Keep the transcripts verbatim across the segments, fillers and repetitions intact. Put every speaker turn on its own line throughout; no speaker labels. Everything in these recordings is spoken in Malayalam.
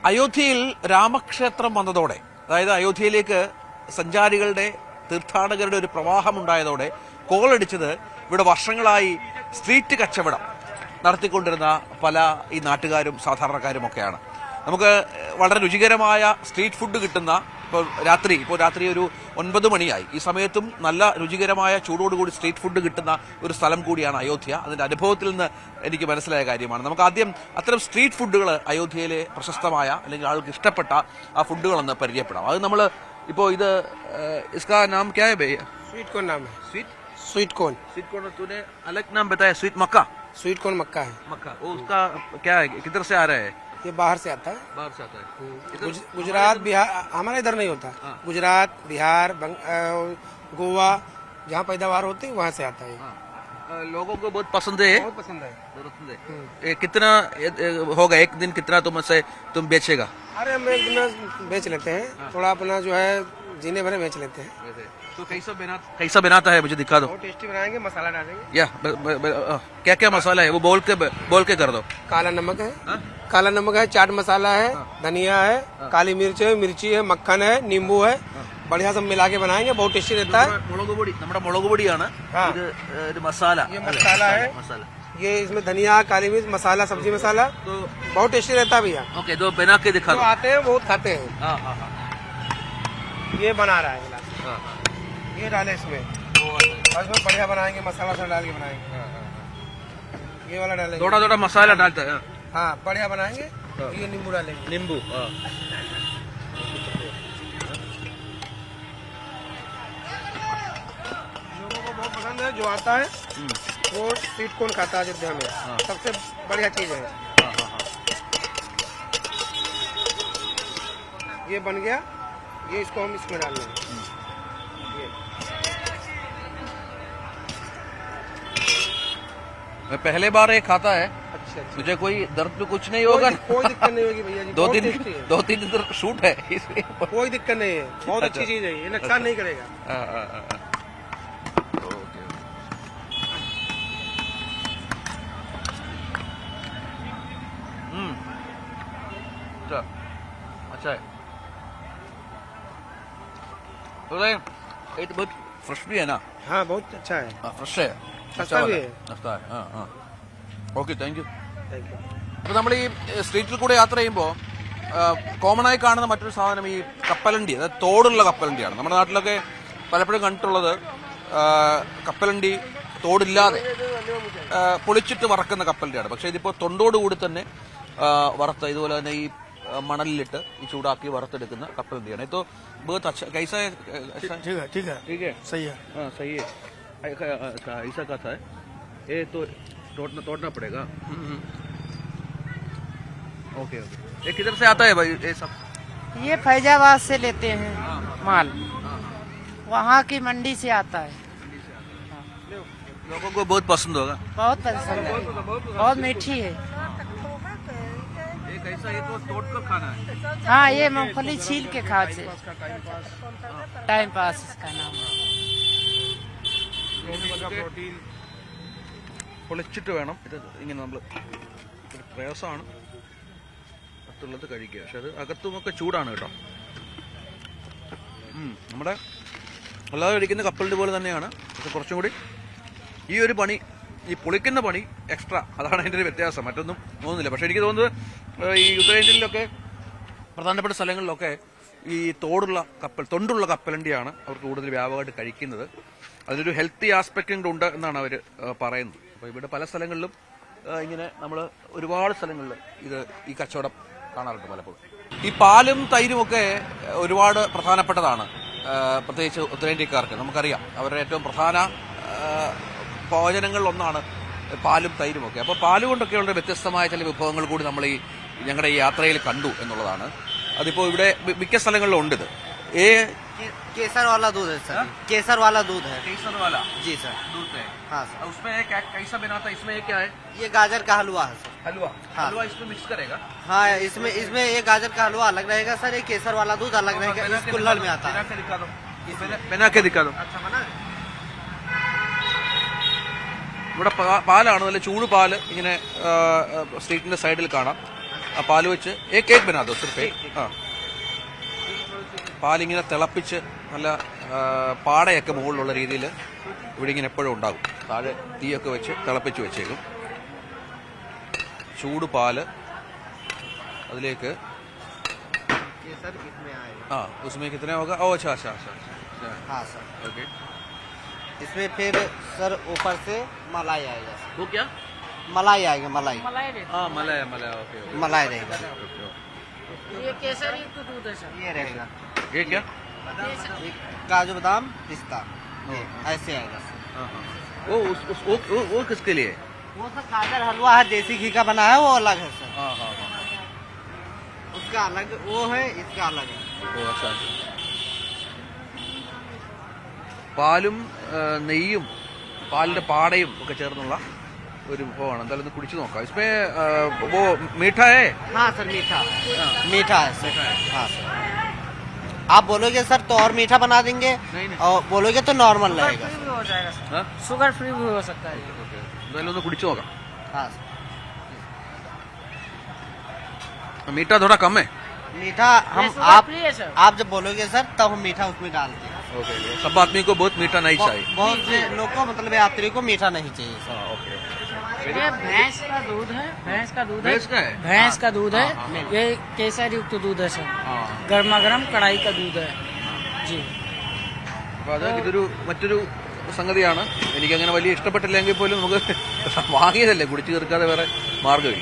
അയോധ്യയിൽ രാമക്ഷേത്രം വന്നതോടെ, അതായത് അയോധ്യയിലേക്ക് സഞ്ചാരികളുടെ തീർത്ഥാടകരുടെ ഒരു പ്രവാഹം ഉണ്ടായതോടെ കോളടിച്ചത് ഇവിടെ വർഷങ്ങളായി സ്ട്രീറ്റ് കച്ചവടം നടത്തിക്കൊണ്ടിരുന്ന പല ഈ നാട്ടുകാരും സാധാരണക്കാരും ഒക്കെയാണ്. നമുക്ക് വളരെ രുചികരമായ സ്ട്രീറ്റ് ഫുഡ് കിട്ടുന്ന, ഇപ്പോൾ രാത്രി ഇപ്പോൾ രാത്രി ഒരു ഒൻപത് മണിയായി, ഈ സമയത്തും നല്ല രുചികരമായ ചൂടോടുകൂടി സ്ട്രീറ്റ് ഫുഡ് കിട്ടുന്ന ഒരു സ്ഥലം കൂടിയാണ് അയോധ്യ. അതിന്റെ അനുഭവത്തിൽ നിന്ന് എനിക്ക് മനസ്സിലായ കാര്യമാണ്. നമുക്ക് ആദ്യം അത്തരം സ്ട്രീറ്റ് ഫുഡുകൾ, അയോധ്യയിലെ പ്രശസ്തമായ അല്ലെങ്കിൽ ആൾക്ക് ഇഷ്ടപ്പെട്ട ആ ഫുഡുകളൊന്ന് പരിചയപ്പെടാം. അത് നമ്മൾ ഇപ്പോൾ ഇത് इसका नाम क्या है भैया?
स्वीट कॉर्न नाम है।
Sweet
sweet corn
sweet corn तूने अलग नाम बताया, स्वीट मक्का
स्वीट कॉर्न मक्का है।
मक्का वो उसका क्या है, किधर से आ रहा है?
ये बाहर से आता है,
बाहर से आता है।
गुज- गुजरात बिहार, हमारे इधर नहीं होता। गुजरात बिहार बंग- अ, गोवा जहाँ पैदावार होती है वहाँ से आता है।
हाँ, अ, लोगों को बहुत पसंद है।
बहुत पसंद है।
बहुत पसंद है। ये कितना ये, ये होगा एक दिन, कितना तुम से तुम बेचेगा?
अरे हम एक दिन बेच लेते हैं, थोड़ा अपना जो है जीने भरे बेच लेते हैं।
तो कैसा बना कैसा बनाता है, मुझे दिखा दो।
बहुत टेस्टी बनाएंगे, मसाला डालेंगे।
या क्या क्या मसाला है वो बोल के बोल के कर दो।
काला नमक है,
हाँ?
काला नमक है, चाट मसाला है, धनिया है, काली मिर्च है, मिर्ची है, मक्खन है, नींबू है, बढ़िया सब मिला के बनाएंगे, बहुत टेस्टी रहता है।
മുളക് പൊടി, നമ്മുടെ മുളക് പൊടിയാണ് ഇത്. ഒരു മസാല,
ये मसाला है,
मसाला
ये इसमें धनिया, काली मिर्च, मसाला, सब्जी मसाला,
तो
बहुत टेस्टी रहता है भैया।
ओके, दो बना के दिखा
जो
दो।
आते हैं बहुत खाते हैं।
हाँ हाँ हाँ
ये बना रहा है गिलास,
हाँ,
ये डाले इसमें, और इसमें बढ़िया बनाएंगे, मसाला वसाला डाल के बनाएंगे। ये वाला डालेंगे,
थोड़ा थोड़ा मसाला डालता है।
हाँ बढ़िया बनाएंगे। ये नींबू डालेंगे,
नींबू।
लोगों को बहुत पसंद है। जो आता है वो स्वीट कॉर्न खाता है अयोध्या में, सबसे बढ़िया चीज है। ये बन गया, ये इसको हम इसमें डाल लेंगे।
मैं पहले बार ये खाता है,
अच्छा अच्छा,
मुझे कोई दर्द तो कुछ नहीं होगा?
कोई, कोई दिक्कत नहीं होगी भैया जी,
दो
बहुत
तीन
टेस्टी है।
दो तीन दिन शूट है इसलिए।
कोई दिक्कत नहीं है, बहुत
अच्छा।
अच्छी चीज है, ये नुकसान नहीं करेगा।
हाँ, हाँ, हाँ, हाँ। ओके। हम्म, अच्छा अच्छा है। तो ये तो बहुत फ्रेश भी है ना?
हाँ बहुत अच्छा है,
हाँ, फ्रेश है,
सस्ता
अच्छा
भी
वाला
है।
सस्ता है। हाँ हाँ, okay, thank you.
Thank you.
അപ്പോൾ നമ്മൾ ഈ സ്ട്രീറ്റിൽ കൂടെ യാത്ര ചെയ്യുമ്പോൾ കോമൺ ആയി കാണുന്ന മറ്റൊരു സാധനം ഈ കപ്പലണ്ടി, അതായത് തോടുള്ള കപ്പലണ്ടിയാണ്. നമ്മുടെ നാട്ടിലൊക്കെ പലപ്പോഴും കണ്ടിട്ടുള്ളത് ആ, കപ്പലണ്ടി തോടില്ലാതെ ആ, പൊളിച്ചിട്ട് വറക്കുന്ന കപ്പലണ്ടിയാണ്. പക്ഷേ ഇതിപ്പോൾ തൊണ്ടോടുകൂടി തന്നെ ആ, വറുത്ത, ഇതുപോലെ തന്നെ ഈ ആ, മണലിലിട്ട് ഈ ചൂടാക്കി വറുത്തെടുക്കുന്ന കപ്പലണ്ടിയാണ്. ഇത് बहुत अच्छा, कैसा है? अच्छा
ठीक है ठीक है
ठीक है,
सही है।
हाँ सही है। अच्छा, ऐसा का था ये तो तोड़ना तोड़ना पड़ेगा। Okay okay. ये किधर से आता है भाई ये सब?
ये फैजाबाद से लेते हैं माल, वहाँ की मंडी से आता है।
लोगों को बहुत पसंद होगा।
बहुत पसंद है, बहुत मीठी है।
ये कैसा, ये तो तोड़ कर खाना है?
हाँ, ये मूंगफली छील के खा से टाइम पास इसका नाम है।
പൊളിച്ചിട്ട് വേണം ഇത് ഇങ്ങനെ നമ്മൾ, ഒരു പ്രയാസമാണ് അകത്തുള്ളത് കഴിക്കുക. പക്ഷെ അത് അകത്തുമൊക്കെ ചൂടാണ് കേട്ടോ. നമ്മുടെ അല്ലാതെ കഴിക്കുന്ന കപ്പലിൻ്റെ പോലെ തന്നെയാണ്, പക്ഷെ കുറച്ചും കൂടി ഈ ഒരു പണി, ഈ പൊളിക്കുന്ന പണി എക്സ്ട്രാ, അതാണ് അതിൻ്റെ ഒരു വ്യത്യാസം. മറ്റൊന്നും തോന്നുന്നില്ല. പക്ഷെ എനിക്ക് തോന്നുന്നത് ഈ ഉത്തരേന്ത്യയിലൊക്കെ പ്രധാനപ്പെട്ട സ്ഥലങ്ങളിലൊക്കെ ഈ തോടുള്ള കപ്പൽ, തൊണ്ടുള്ള കപ്പലണ്ടിയാണ് അവർ കൂടുതൽ വ്യാപകമായിട്ട് കഴിക്കുന്നത്. അതിനൊരു ഹെൽത്തി ആസ്പെക്റ്റും ഉണ്ട് എന്നാണ് അവർ പറയുന്നത്. അപ്പോൾ ഇവിടെ പല സ്ഥലങ്ങളിലും ഇങ്ങനെ നമ്മൾ ഒരുപാട് സ്ഥലങ്ങളിൽ ഇത് ഈ കച്ചവടം കാണാറുണ്ട് പലപ്പോഴും. ഈ പാലും തൈരും ഒക്കെ ഒരുപാട് പ്രധാനപ്പെട്ടതാണ്, പ്രത്യേകിച്ച് ഉത്തരേന്ത്യക്കാർക്ക്. നമുക്കറിയാം അവരുടെ ഏറ്റവും പ്രധാന ഭോജനങ്ങളിലൊന്നാണ് പാലും തൈരും ഒക്കെ. അപ്പോൾ പാല് കൊണ്ടൊക്കെയുള്ള വ്യത്യസ്തമായ ചില വിഭവങ്ങൾ കൂടി നമ്മൾ ഈ ഞങ്ങളുടെ ഈ യാത്രയിൽ കണ്ടു എന്നുള്ളതാണ്. അതിപ്പോൾ ഇവിടെ മിക്ക സ്ഥലങ്ങളിലും ഉണ്ട്. ഇത് ഏ
केसर वाला दूध है सर, केसर वाला दूध है।
केसर वाला
जी सर।
दूध है।
हाँ सर।
उसमें क्या कैसा बनाता है? इसमें क्या है?
ये गाजर का हलवा है सर।
हलवा।
हाँ।
हलवा इसमें मिक्स करेगा?
हाँ, इसमें इसमें ये गाजर का हलवा अलग रहेगा सर, ये केसर वाला दूध अलग रहेगा, इस कुल्हड़ में आता है।
बना के दिखा दो, बना के दिखा दो।
अच्छा बना।
ഇവിടെ പാലാണ്, നല്ല ചൂട് പാല് ഇങ്ങനെ സ്ട്രീറ്റിന്റെ സൈഡിൽ കാണാം. ആ പാല് വെച്ച് ഏക് ഏക് ബനാ ദോ സിർഫ് ഏക്. ആ പാലിങ്ങനെ തിളപ്പിച്ച് നല്ല ആ, പാടയൊക്കെ മുകളിലുള്ള രീതിയിൽ ഇവിടെ ഇങ്ങനെ എപ്പോഴും ഉണ്ടാകും. താഴെ തീയൊക്കെ വെച്ച് തിളപ്പിച്ച് വെച്ചേക്കും. ചൂട് പാല് അതിലേക്ക്
केसर इसमें आएगा।
ആ ഉസ്മേ കിത്തന ഹോഗാ? ഓ അച്ഛാ അച്ഛാ അച്ഛാ
हाँ सर,
ഓക്കെ.
इसमें फिर सर ऊपर से मलाई आएगा,
वो क्या?
मलाई आएगा, मलाई
ആ മലയ മലയ ഓക്കെ
मलाई रहेगा,
ये केसर युक्त दूध है सर।
ये रहेगा।
ये क्या?
ये काजू बादाम पिस्ता, ये ऐसे आएगा सर।
वो उस उस वो वो, वो किसके लिए?
वो सर गाजर हलवा है, देसी घी का बना है, वो अलग है सर।
हाँ हाँ हाँ.
उसका अलग वो है, इसका अलग है।
ഓ അച്ഛാ. പാലും ആ, നെയ്യും പാലിന്റെ പാടയും ഒക്കെ ചേർന്നുള്ള ഒരു വിഭവമാണ്. എന്തായാലും ഒന്ന് കുടിച്ചു നോക്കാം. इसमें आ, वो मीठा है?
हाँ सर, मीठा मीठा है सर। हाँ सर, आप बोलोगे सर तो और मीठा बना देंगे,
नहीं, नहीं।
और बोलोगे तो नॉर्मल रहेगा।
फ्री भी हो जाएगा सर,
हाँ?
शुगर फ्री भी हो सकता है।
ഓക്കെ. എന്തായാലും ഒന്ന് കുടിച്ചു നോക്കാം.
हाँ सर,
मीठा थोड़ा कम है.
मीठा हम
ये शुगर
आप
फ्री है सर।
आप जब बोलोगे सर तब हम मीठा उसमें डालते हैं।
ओके. सब आदमी को बहुत मीठा नहीं चाहिए.
बहु- बहुत से लोग को मतलब यात्री को मीठा नहीं चाहिए सर।
हाँ, ओके.
ये भैंस का दूध है, भैंस का दूध है,
भैंस का है?
भैंस का दूध है।
हाँ, हाँ,
ये केसर युक्त दूध है सर,
हाँ.
गर्मा गर्म कढ़ाई का दूध है जी।
അപ്പൊ അത് ഇതൊരു മറ്റൊരു സംഗതിയാണ്. എനിക്കങ്ങനെ വലിയ ഇഷ്ടപ്പെട്ടില്ലെങ്കിൽ പോലും നമുക്ക് വാങ്ങിയതല്ലേ, കുടിച്ചു തീർക്കാതെ വേറെ മാർഗമില്ല.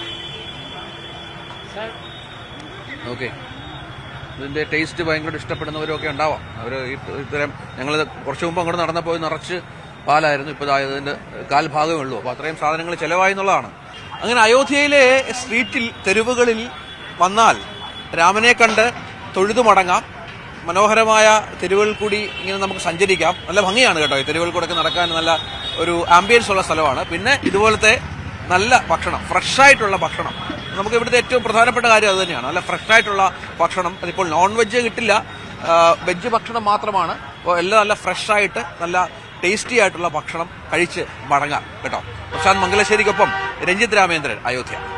Sir
okay. ഇതിന്റെ ടേസ്റ്റ് ഭയങ്കര ഇഷ്ടപ്പെടുന്നവരൊക്കെ ഉണ്ടാവാം. അവർ ഇത്തരം ഞങ്ങൾ കുറച്ച് മുമ്പ് അങ്ങോട്ട് നടന്നപ്പോൾ നിറച്ച് പാലായിരുന്നു. ഇപ്പോൾ ഇതിന്റെ കാൽഭാഗമേ ഉള്ളൂ. അപ്പോൾ അത്രയും സാധനങ്ങൾ ചിലവായി എന്നുള്ളതാണ്. അങ്ങനെ അയോധ്യയിലെ സ്ട്രീറ്റിൽ തെരുവുകളിൽ വന്നാൽ രാമനെ കണ്ട് തൊഴുതു മടങ്ങാം. മനോഹരമായ തെരുവുകളിൽ കൂടി ഇങ്ങനെ നമുക്ക് സഞ്ചരിക്കാം. നല്ല ഭംഗിയാണ് കേട്ടോ. ഈ തെരുവുകളിൽ കൂടെ നടക്കാൻ നല്ല ഒരു ആംബിയൻസ് ഉള്ള സ്ഥലമാണ്. പിന്നെ ഇതുപോലത്തെ നല്ല ഭക്ഷണം, ഫ്രഷ് ആയിട്ടുള്ള ഭക്ഷണം, നമുക്ക് ഇവിടുത്തെ ഏറ്റവും പ്രധാനപ്പെട്ട കാര്യം അത് തന്നെയാണ്. നല്ല ഫ്രഷ് ആയിട്ടുള്ള ഭക്ഷണം. അതിപ്പോൾ നോൺ വെജ് കിട്ടില്ല, വെജ് ഭക്ഷണം മാത്രമാണ്. അപ്പോൾ എല്ലാം നല്ല ഫ്രഷ് ആയിട്ട് നല്ല ടേസ്റ്റി ആയിട്ടുള്ള ഭക്ഷണം കഴിച്ച് മടങ്ങാം കേട്ടോ. പ്രശാന്ത് മംഗലശ്ശേരിക്കൊപ്പം രഞ്ജിത്ത് രാമേന്ദ്രൻ, അയോധ്യ.